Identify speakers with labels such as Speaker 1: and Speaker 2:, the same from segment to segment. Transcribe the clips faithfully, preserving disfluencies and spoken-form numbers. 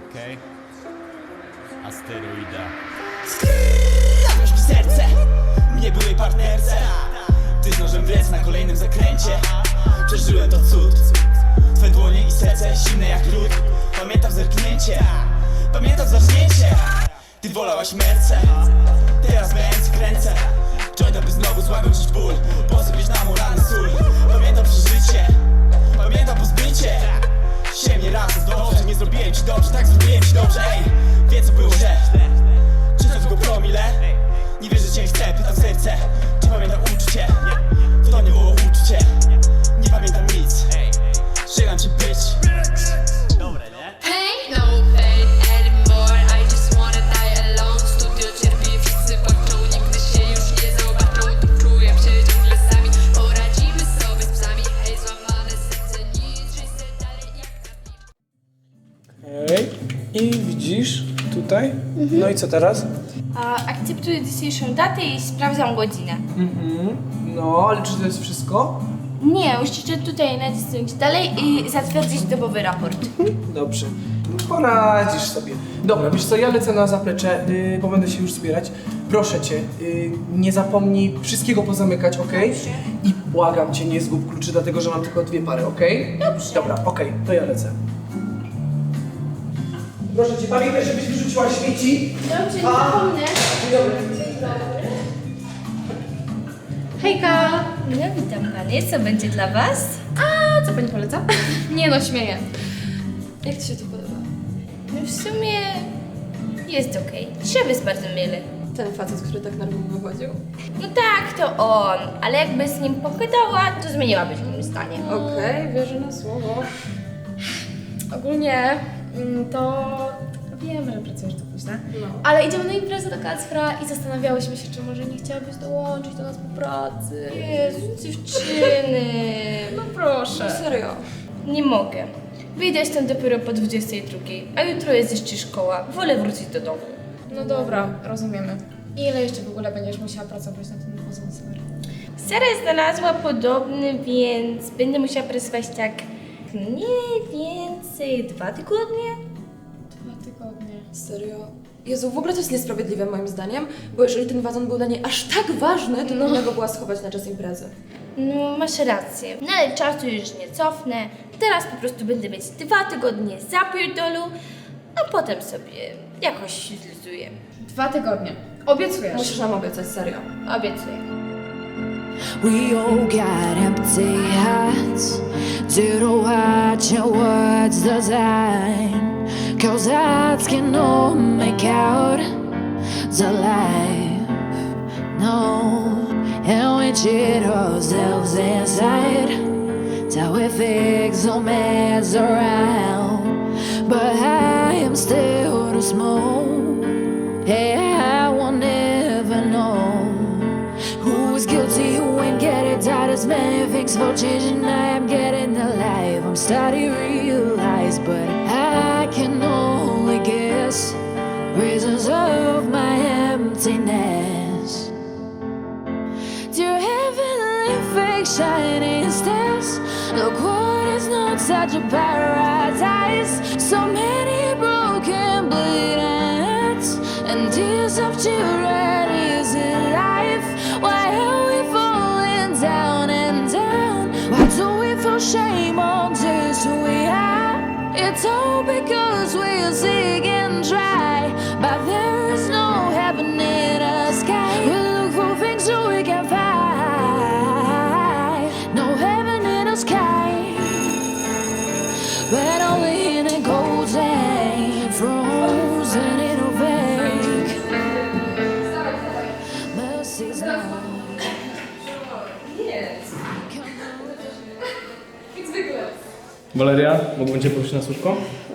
Speaker 1: Okej. Asteroida.
Speaker 2: Zabiorz mi serce, mnie byłej partnerce. Ty z nożem w ręce na kolejnym zakręcie. Przeżyłem to cud. Twe dłonie i serce zimne jak lód. Pamiętam zerknięcie, pamiętam zażnięcie. Ty wolałaś merce, teraz bęc kręcę. Jointa by znowu złagodzić ból, posypieć na mu rany sól. Pamiętam przeżycie, pamiętam pozbycie się mnie razem dobrze, nie zrobiłem ci dobrze, tak zrobiłem ci dobrze. Ej, wie co było źle, czy to tylko promile? Nie wierzę cię chcę, pytam serce, czy pamiętam uczucie? To nie było uczucie, nie pamiętam nic. Żegnam cię być.
Speaker 1: Dobre, nie?
Speaker 3: Pain, no pain anymore. I just wanna die alone. Studio cierpi, wszyscy płaczą. Nigdy się już nie zobaczą. Tu czuję się ciągle sami. Poradzimy sobie z psami. Hej, złamane serce, nic, żyj se dalej jak
Speaker 4: Okej. I widzisz tutaj? No i co teraz?
Speaker 5: A, akceptuję dzisiejszą datę i sprawdzam godzinę.
Speaker 4: Mhm. No, ale czy to jest wszystko?
Speaker 5: Nie, musicie tutaj nacisnąć dalej i zatwierdzić dobowy raport.
Speaker 4: Dobrze. Poradzisz sobie. Dobra, wiesz co, ja lecę na zaplecze, yy, bo będę się już zbierać. Proszę cię, yy, nie zapomnij wszystkiego pozamykać, okej? I błagam cię, nie zgub kluczy, dlatego że mam tylko dwie pary, okej?
Speaker 5: Dobrze.
Speaker 4: Dobra, okej, to ja lecę. Proszę cię, pamiętaj, żebyś wyrzuciła śmieci.
Speaker 5: Dobrze, nie
Speaker 4: A.
Speaker 5: zapomnę.
Speaker 4: Dzień dobry.
Speaker 5: Hejka! No, witam panie, co będzie dla was?
Speaker 6: A co pani poleca? Nie no, śmieję. Jak ci się to podoba?
Speaker 5: No w sumie jest okej. Drzewo jest bardzo mile.
Speaker 6: Ten facet, który tak nerwowo wychodził?
Speaker 5: No tak, to on, ale jakby z nim pogadała, to zmieniłaby się w moim stanie.
Speaker 6: Okej, wierzę na słowo. Ogólnie mm, to wiem, że pracujesz do późna,
Speaker 5: No.
Speaker 6: ale idziemy na imprezę do Kacpra i zastanawiałyśmy się, czy może nie chciałabyś dołączyć do nas po pracy.
Speaker 5: Jezu, dziewczyny.
Speaker 6: No proszę. Serio.
Speaker 5: Nie mogę. Wyjdę stąd dopiero po dwudziestej drugiej, a jutro jest jeszcze szkoła. Wolę wrócić do domu.
Speaker 6: No dobra, rozumiemy. Ile jeszcze w ogóle będziesz musiała pracować na tym pozostałym?
Speaker 5: Sara znalazła podobny, więc będę musiała pracować tak mniej więcej dwa tygodnie.
Speaker 6: Dwa tygodnie.
Speaker 7: Serio? Jezu, w ogóle to jest niesprawiedliwe moim zdaniem, bo jeżeli ten wazon był dla niej aż tak ważny, to powinna go była schować na czas imprezy.
Speaker 5: No, masz rację. No ale czasu już nie cofnę. Teraz po prostu będę mieć dwa tygodnie zapierdolu, a potem sobie jakoś się zluzuję.
Speaker 6: Dwa tygodnie. Obiecujesz.
Speaker 7: Musisz nam obiecać, serio.
Speaker 5: Obiecuję.
Speaker 8: We all got empty hearts. Didn't watch your words the time. Cause hearts can all make out the life. No, and we cheat ourselves inside till we fix no mess around. But I am still too small. Yeah, I won't ever know who is guilty, who ain't get it. Tired of many things for changing. I am getting alive. I'm starting to realize, but I can only guess reasons of my emptiness. Dear heavenly fake shining stars, look what is not such a paradise. So many broken bleeding hearts and tears of children. Is it life? Why are we falling down and down? Why do we feel shame on just who we are? It's all because we're sick and dry, but there is no heaven in the sky. We look for things so we can find no heaven in the sky, but only in a golden frozen in a fake. Mercy's not.
Speaker 4: Waleria, mógłbym cię prosić na słówko?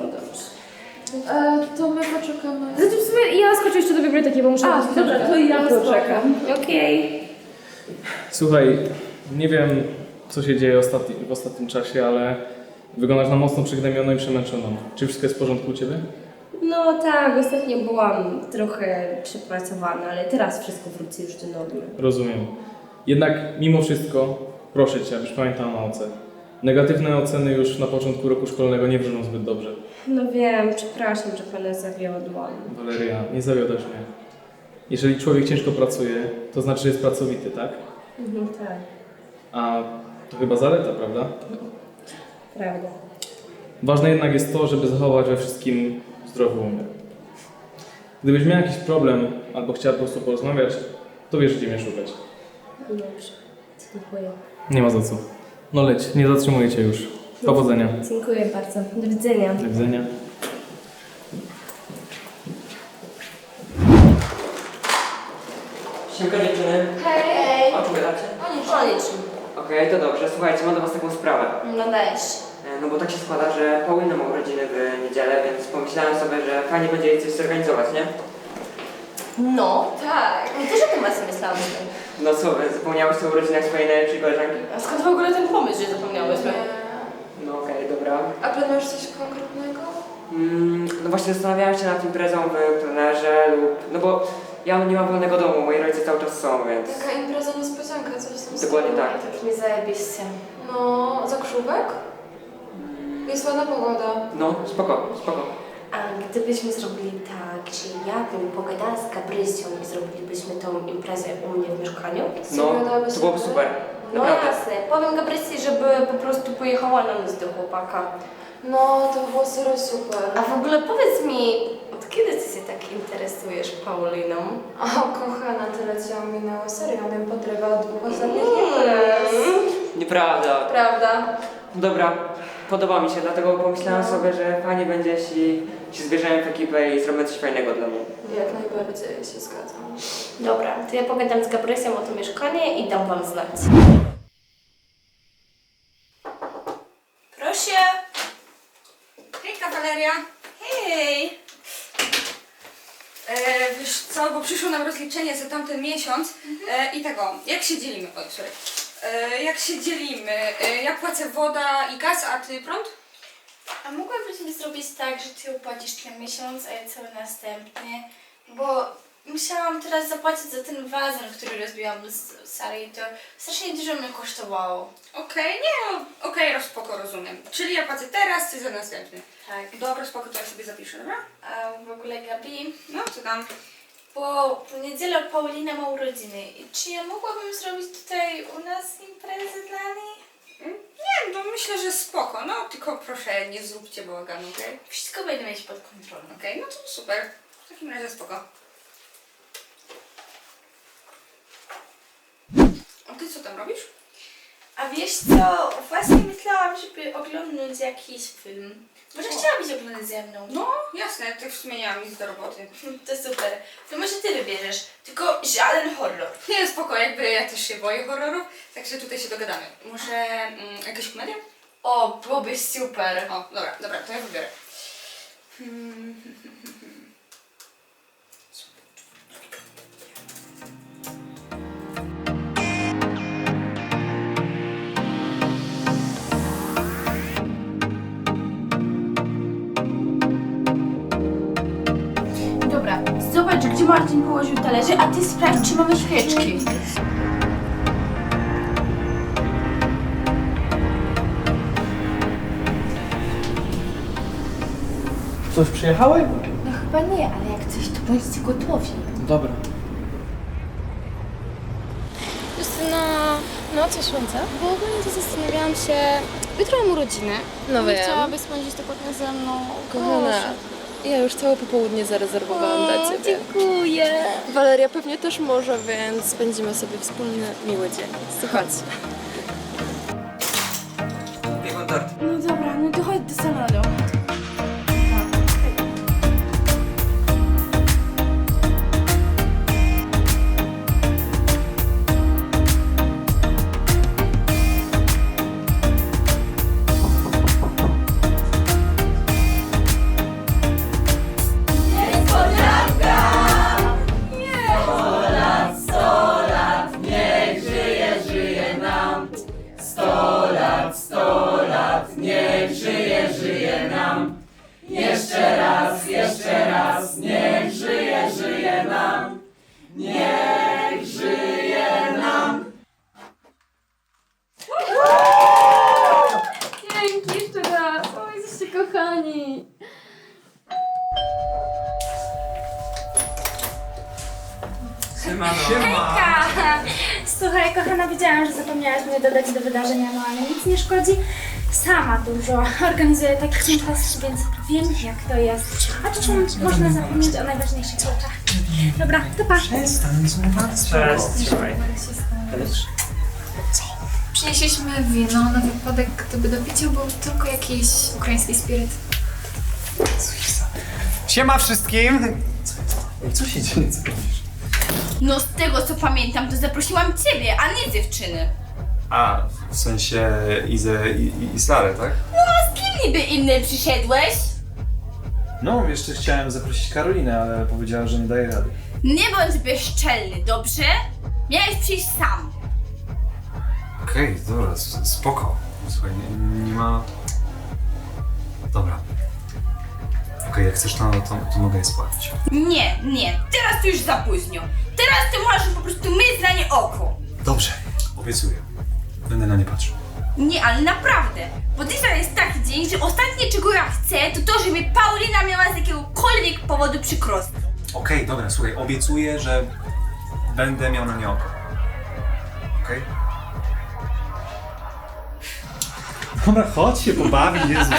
Speaker 6: E, to my poczekamy. Znaczy w sumie ja skoczę jeszcze do biblioteki, bo muszę... A, dobra, to ja poczekam.
Speaker 5: Okej.
Speaker 9: Słuchaj, nie wiem co się dzieje ostatni, w ostatnim czasie, ale wyglądasz na mocno przygnębioną i przemęczoną. Czy wszystko jest w porządku u Ciebie?
Speaker 5: No tak, ostatnio byłam trochę przepracowana, ale teraz wszystko wróci już do normy.
Speaker 9: Rozumiem. Jednak mimo wszystko proszę Cię, abyś pamiętał o nauce. Negatywne oceny już na początku roku szkolnego nie wróżą zbyt dobrze.
Speaker 5: No wiem, przepraszam, że pana zawiodłam.
Speaker 9: Waleria, nie zawiodasz mnie. Jeżeli człowiek ciężko pracuje, to znaczy, że jest pracowity, tak?
Speaker 5: No tak,
Speaker 9: A to chyba zaleta, prawda?
Speaker 5: prawda.
Speaker 9: Ważne jednak jest to, żeby zachować we wszystkim zdrowy umysł. Gdybyś miał jakiś problem albo chciała po prostu porozmawiać, to wiesz, gdzie mnie szukać.
Speaker 5: Dobrze, dziękuję.
Speaker 9: Nie ma za co. No leć, nie zatrzymuję cię już. Powodzenia.
Speaker 5: Dziękuję bardzo. Do widzenia.
Speaker 9: Do widzenia.
Speaker 10: Siemka dziewczyny.
Speaker 5: Hej!
Speaker 10: O czym gadacie?
Speaker 5: O niczym. O niczym.
Speaker 10: Okej, to dobrze. Słuchajcie, mam do was taką sprawę.
Speaker 5: No dajesz.
Speaker 10: E, No bo tak się składa, że Paulina ma urodziny w niedzielę, więc pomyślałem sobie, że fajnie będzie jej coś zorganizować, nie?
Speaker 5: No, tak. No też o tym właśnie myślałam.
Speaker 10: No co wy, zapomniałeś o urodzinach swojej najlepszej koleżanki?
Speaker 5: A skąd w ogóle ten pomysł, że zapomniałyśmy?
Speaker 10: No okej, dobra.
Speaker 7: A planujesz coś konkretnego?
Speaker 10: Mm, no właśnie zastanawiałem się nad imprezą w plenerze lub... No bo ja nie mam wolnego domu, moi rodzice cały czas są, więc...
Speaker 7: Taka impreza niespodzianka, coś tam z
Speaker 10: Dokładnie
Speaker 7: tym.
Speaker 10: tak.
Speaker 5: To brzmi zajebiście.
Speaker 7: No, zakrzówek? Jest ładna pogoda.
Speaker 10: No, spoko, spoko.
Speaker 5: A gdybyśmy zrobili tak, że ja bym pogadała z Gabrysią i zrobilibyśmy tą imprezę u mnie w mieszkaniu?
Speaker 10: No, to byłoby super.
Speaker 5: No
Speaker 10: Naprawdę.
Speaker 5: jasne. Powiem Gabrysi, żeby po prostu pojechała na noc do chłopaka.
Speaker 7: No, to było serio super.
Speaker 5: A w ogóle powiedz mi, od kiedy ty się tak interesujesz Pauliną?
Speaker 7: O, kochana, tyle cię ominęło. Serio, on ją podrywa od dwóch ostatnich imprez.
Speaker 10: Nieprawda.
Speaker 7: Prawda?
Speaker 10: Dobra, podoba mi się, dlatego pomyślałem sobie, że fajnie będzie, jeśli się zbierzemy w ekipę i zrobimy coś fajnego dla mnie.
Speaker 7: Jak najbardziej się zgadzam.
Speaker 5: Dobra, to ja pogadam z Gabrysią o to mieszkanie i dam wam znać.
Speaker 11: Proszę. Hejka, Waleria. Hej. E, wiesz co, bo przyszło nam rozliczenie za tamten miesiąc e, i tego, jak się dzielimy? Oj, sorry. E, jak się dzielimy? E, ja płacę woda i gaz, a ty prąd?
Speaker 12: A mogłabyśmy zrobić tak, że ty opłacisz ten miesiąc, a ja cały następny? Bo musiałam teraz zapłacić za ten wazon, który rozbiłam z sali i to strasznie dużo mnie kosztowało.
Speaker 11: Okej, nie no, okej, okay, spoko, rozumiem. Czyli ja płacę teraz, ty za następny.
Speaker 12: Tak.
Speaker 11: Dobra, spoko, to ja sobie zapiszę, dobra?
Speaker 12: A w ogóle Gabi,
Speaker 11: No, co tam?
Speaker 12: bo w niedzielę Paulina ma urodziny. I czy ja mogłabym zrobić tutaj u nas imprezę dla niej?
Speaker 11: Nie, no myślę, że spoko, no tylko proszę nie zróbcie bałaganu, okej? Okay?
Speaker 12: Wszystko będę mieć pod kontrolą.
Speaker 11: Okej, okay, no to super. W takim razie spoko. A ty co tam robisz?
Speaker 12: A wiesz co, właśnie myślałam, żeby oglądać jakiś film. Może
Speaker 11: O.
Speaker 12: chciałabyś oglądać ze mną?
Speaker 11: No, jasne, tak w sumie nie mam nic do roboty.
Speaker 12: To super. To może ty wybierzesz, tylko żaden horror.
Speaker 11: Nie, spoko, jakby ja też się boję horrorów, także tutaj się dogadamy. Może mm, jakaś komedia?
Speaker 12: O, byłoby super.
Speaker 11: O, dobra, dobra, to ja wybiorę. Hmm.
Speaker 12: Dobra, zobacz, gdzie Marcin położył talerze, a ty sprawdź, czy mamy świeczki.
Speaker 4: Coś przyjechały?
Speaker 12: No chyba nie, ale jak coś, to bądźcie gotowi.
Speaker 4: Dobra.
Speaker 6: Justyna, no co słońce? Bo ogólnie to zastanawiałam się, jutro mam urodziny.
Speaker 7: No wiem.
Speaker 6: Chciałabyś spędzić to potem ze mną.
Speaker 7: Kochana,
Speaker 6: Proszę.
Speaker 7: ja już całe popołudnie zarezerwowałam dla Ciebie.
Speaker 6: Dziękuję.
Speaker 7: Waleria pewnie też może, więc spędzimy sobie wspólny, miły dzień. Słuchaj.
Speaker 10: Piekłem tort.
Speaker 12: No dobra, no to chodź do salonu.
Speaker 2: Niech żyje, żyje nam.
Speaker 12: Hejka! Słuchaj, kochana, wiedziałam, że zapomniałaś mnie dodać do wydarzenia, no ale nic nie szkodzi. Sama dużo organizuję takich imprez, więc wiem, jak to jest. A czasem można zapomnieć o najważniejszych rzeczach. Dobra, to pa!
Speaker 6: Przynieśliśmy wino na wypadek, gdyby do picia był tylko jakiś ukraiński spiryt.
Speaker 1: Siema wszystkim! Co się dzieje? Co robisz?
Speaker 5: No z tego co pamiętam, to zaprosiłam ciebie, a nie dziewczyny.
Speaker 1: A, w sensie Izę i, i, i Sarę, tak?
Speaker 5: No a z kim niby inny przyszedłeś?
Speaker 13: No, jeszcze chciałem zaprosić Karolinę, ale powiedziała, że nie daje rady.
Speaker 5: Nie bądź bezczelny, dobrze? Miałeś przyjść sam.
Speaker 1: Okej, okay, dobra, spoko. Słuchaj, nie, nie ma... Dobra. Okej, okay, jak chcesz, to, to, to mogę je spłacić.
Speaker 5: Nie, nie, teraz to już za późno. Teraz ty możesz po prostu myć na nie oko.
Speaker 1: Dobrze, obiecuję. Będę na nie patrzył.
Speaker 5: Nie, ale naprawdę, bo dzisiaj jest taki dzień, że ostatnie czego ja chcę, to to, żeby Paulina miała z jakiegokolwiek powodu przykrost.
Speaker 1: Okej, okay, dobra, słuchaj, obiecuję, że będę miał na nie oko. Okej? Okay?
Speaker 13: Dobra, chodź się pobawić, Jezu.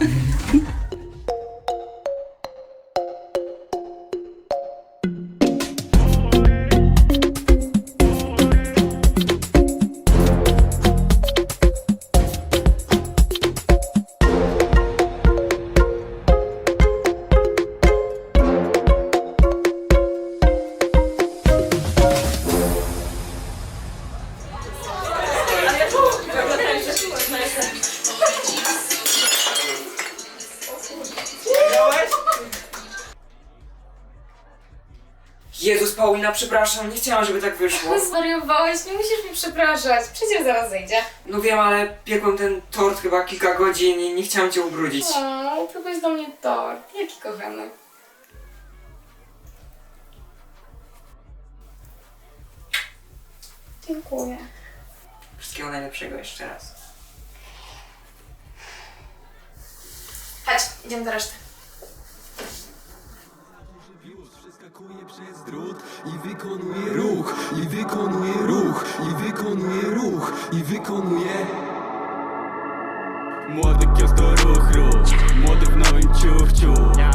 Speaker 10: Jezus, Paulina, przepraszam, nie chciałam, żeby tak wyszło.
Speaker 6: Zwariowałeś, nie musisz mi przepraszać. Przecież zaraz zejdzie.
Speaker 10: No wiem, ale piekłem ten tort chyba kilka godzin i nie chciałam cię ubrudzić.
Speaker 6: O, próbuj do mnie tort. Jaki kochany. Dziękuję.
Speaker 10: Wszystkiego najlepszego jeszcze raz.
Speaker 6: Chodź, idziemy do reszty.
Speaker 14: Przeskakuje przez drut i wykonuje ruch, i wykonuje ruch, i wykonuje ruch, i wykonuje. Młody kios to ruch, ruch, młody w nowym ciuchciu.